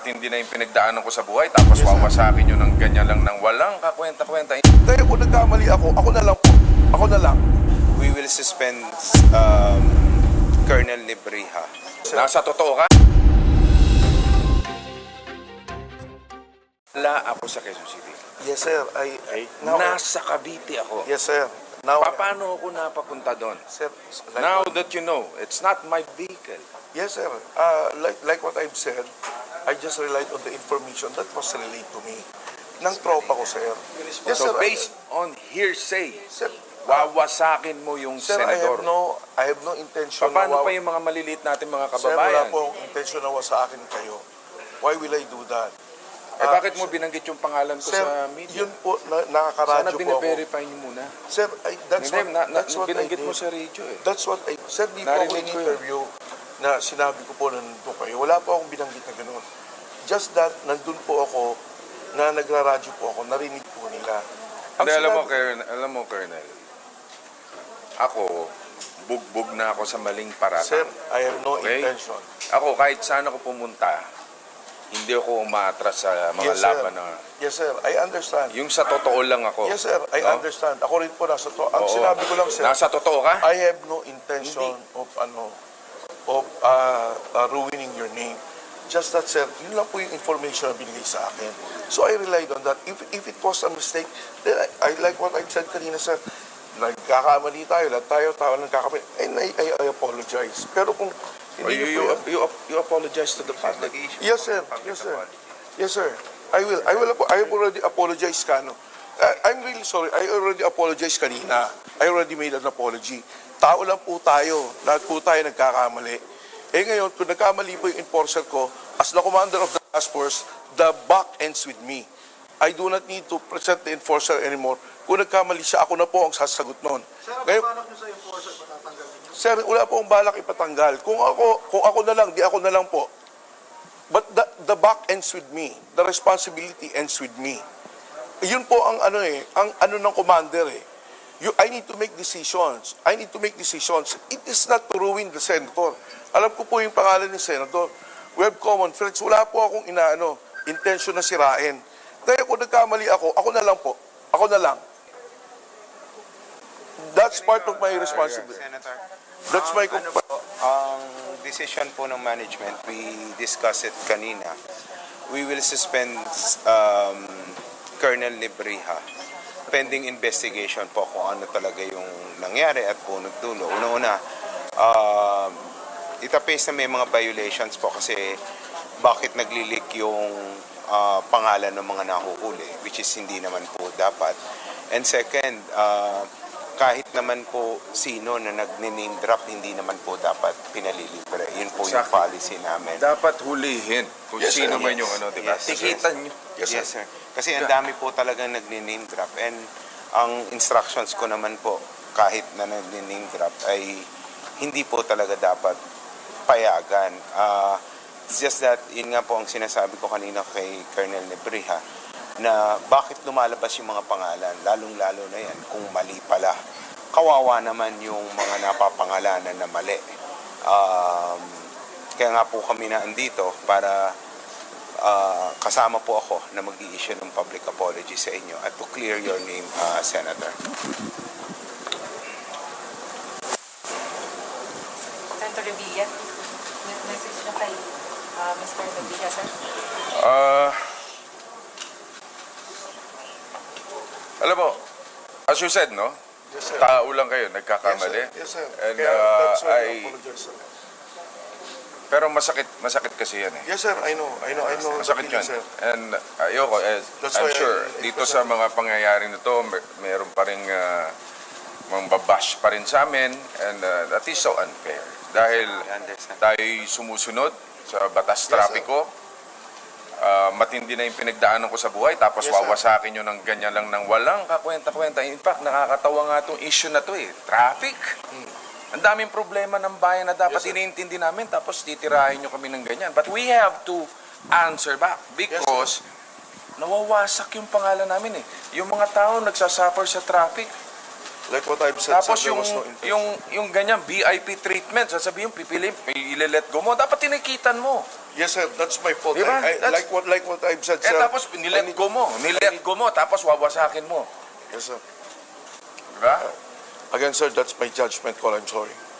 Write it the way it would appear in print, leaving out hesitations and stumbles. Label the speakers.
Speaker 1: matindi na yung pinagdaanan ko sa buhay, tapos wawasakin nyo ng ganyan lang ng walang kakwenta-kwenta.
Speaker 2: Kaya kung nagkamali ako na lang po. Ako na lang.
Speaker 3: We will suspend Colonel Libriha.
Speaker 1: Nasa totoo ka? Wala ako sa Quezon City.
Speaker 2: Yes, sir.
Speaker 1: Okay?
Speaker 2: Now,
Speaker 1: Nasa Cavite ako.
Speaker 2: yes, sir. Now,
Speaker 1: Paano ako napapunta doon?
Speaker 2: sir,
Speaker 1: Now that you know, it's not my vehicle.
Speaker 2: yes, sir. Like what I've said, I just relied on the information that was relayed to me. Ng tropa ko, sir. Yes,
Speaker 1: So
Speaker 2: sir.
Speaker 1: based on hearsay,
Speaker 2: Sir,
Speaker 1: wawasakin mo yung
Speaker 2: sir,
Speaker 1: senador.
Speaker 2: I have no intention
Speaker 1: Paano
Speaker 2: na
Speaker 1: pa yung mga maliliit natin mga
Speaker 2: Sir, wala
Speaker 1: kababayan?
Speaker 2: po akong intention na wasakin kayo. Why will I do that?
Speaker 1: Eh bakit mo binanggit yung pangalan ko
Speaker 2: Sir,
Speaker 1: sa media?
Speaker 2: yun po,
Speaker 1: Sana
Speaker 2: nakakaradyo po ako.
Speaker 1: bine-verify niyo muna.
Speaker 2: Sir, that's
Speaker 1: Hindi,
Speaker 2: that's what I
Speaker 1: binanggit
Speaker 2: did.
Speaker 1: mo sa radio eh.
Speaker 2: That's what I... Sir, di po ako
Speaker 1: Narinig ko yun.
Speaker 2: in-interview na sinabi ko po na nandun kayo. Wala po akong binanggit na gano'n. Just that, nandun po ako, na nagraradyo po ako, narinig po nila. Ang
Speaker 1: Hindi,
Speaker 2: sinabi-
Speaker 1: alam mo, Colonel, ako, bugbog na ako sa maling paratang.
Speaker 2: Sir, I have no
Speaker 1: Okay?
Speaker 2: intention.
Speaker 1: Ako, kahit saan ako pumunta, hindi ako umaatras sa mga
Speaker 2: Yes, sir.
Speaker 1: laban na...
Speaker 2: Yes, sir. I understand.
Speaker 1: Yung sa totoo lang ako.
Speaker 2: Yes, sir. I
Speaker 1: No?
Speaker 2: understand. Ako rin po nasa to. Ang
Speaker 1: Oo.
Speaker 2: sinabi ko lang, sir,
Speaker 1: Nasa totoo ka?
Speaker 2: I have no intention of ruining your name. Just that, sir, yun lang po yung information na binigay sa akin. So I relied on that. If it was a mistake, then I like what I said kanina, sir. Nagkakamali tayo, lahat tayo nagkakamali. And I apologize. Pero kung hindi niyo po yan-
Speaker 1: You apologize to the public.
Speaker 2: Yes, sir. Yes, sir. Yes, sir. I will. I have already apologized, Kano. I'm really sorry. I already apologized kanina. I already made an apology. Tao lang po tayo. Lahat po tayo nagkakamali. Eh ngayon, kung nagkamali po yung enforcer ko, as the commander of the task force, the buck ends with me. I do not need to present the enforcer anymore. Kung nagkamali siya, ako na po ang sasagot noon. Ngayon, sir, wala po akong balak ipatanggal. Kung ako na lang, di ako na lang po. But the buck ends with me. The responsibility ends with me. Yun po ang ang ng commander eh. I need to make decisions. I need to make decisions. It is not to ruin the senator. Alam ko po yung pangalan ni senator. We have common friends. Wala po akong intention na sirain. Kaya kung nagkamali ako na lang po. Ako na lang. That's part of my responsibility.
Speaker 3: Senator,
Speaker 2: That's my
Speaker 3: ang decision po ng management, we discussed it kanina. We will suspend Colonel Libriha pending investigation po kung ano talaga yung nangyari at punot dulo. Una-una, itapes na may mga violations po kasi bakit naglilik yung pangalan ng mga nahuhuli, which is hindi naman po dapat. And second, kahit naman po sino na nag-name drop, hindi naman po dapat pinalilibre. Yun po yung
Speaker 1: Exactly.
Speaker 3: policy namin.
Speaker 1: Dapat hulihin kung
Speaker 2: Yes,
Speaker 1: sino
Speaker 2: sir.
Speaker 1: man yung diba?
Speaker 3: Yes.
Speaker 1: Tikitan nyo.
Speaker 2: Yes,
Speaker 3: Yes, sir. Kasi ang dami po talagang nag-name drop. And ang instructions ko naman po, kahit na nag-name drop, ay hindi po talaga dapat payagan. It's just that, yun nga po ang sinasabi ko kanina kay Colonel Libriha, na bakit lumalabas yung mga pangalan, lalong-lalo na yan, kung mali pala. Kawawa naman yung mga napapangalanan na mali. Kaya nga po kami na andito para kasama po ako na mag-i-issue ng public apology sa inyo at to clear your name, Senator.
Speaker 4: Senator Revilla, message na kay Mr. Revilla, sir.
Speaker 1: Alam mo, as you said, no?
Speaker 2: Yes, sir.
Speaker 1: Tao lang kayo, nagkakamali.
Speaker 2: Yes, sir.
Speaker 1: And
Speaker 2: Kaya that's why I
Speaker 1: I...
Speaker 2: apologize, sir.
Speaker 1: Pero masakit kasi yan eh.
Speaker 2: Yes, sir. I know.
Speaker 1: Masakit
Speaker 2: the
Speaker 1: yun.
Speaker 2: feeling, sir.
Speaker 1: And ayoko,
Speaker 2: That's
Speaker 1: I'm
Speaker 2: why
Speaker 1: sure,
Speaker 2: I
Speaker 1: dito sa mga pangyayari na to, meron pa rin mambabash pa rin sa amin, and that is so unfair. Dahil
Speaker 3: I understand.
Speaker 1: tayo'y sumusunod sa batas trapiko, matindi na yung pinagdaanan ko sa buhay, tapos
Speaker 2: Yes, sir.
Speaker 1: wawasakin nyo ng ganyan lang ng walang kakwenta-kwenta. In fact, nakakatawa nga itong issue na to eh. Traffic. Ang daming problema ng bayan na dapat
Speaker 2: Yes, sir.
Speaker 1: iniintindi namin, tapos titirahin nyo kami ng ganyan. But we have to answer back because nawawasak yung pangalan namin eh. Yung mga tao nagsasuffer sa traffic.
Speaker 2: Like what I've said,
Speaker 1: Tapos
Speaker 2: sir, there
Speaker 1: yung,
Speaker 2: was no intention.
Speaker 1: yung ganyan VIP treatment, sasabihin, pipili, ile-let go mo. Dapat tinikitan mo.
Speaker 2: Yes, sir, that's my fault.
Speaker 1: Diba?
Speaker 2: Like what I've said,
Speaker 1: Eh
Speaker 2: sir.
Speaker 1: tapos nilet go mo. Nilet go mo, tapos wawasakin mo.
Speaker 2: Yes, sir.
Speaker 1: Diba?
Speaker 2: Again, sir, that's my judgment call. I'm sorry.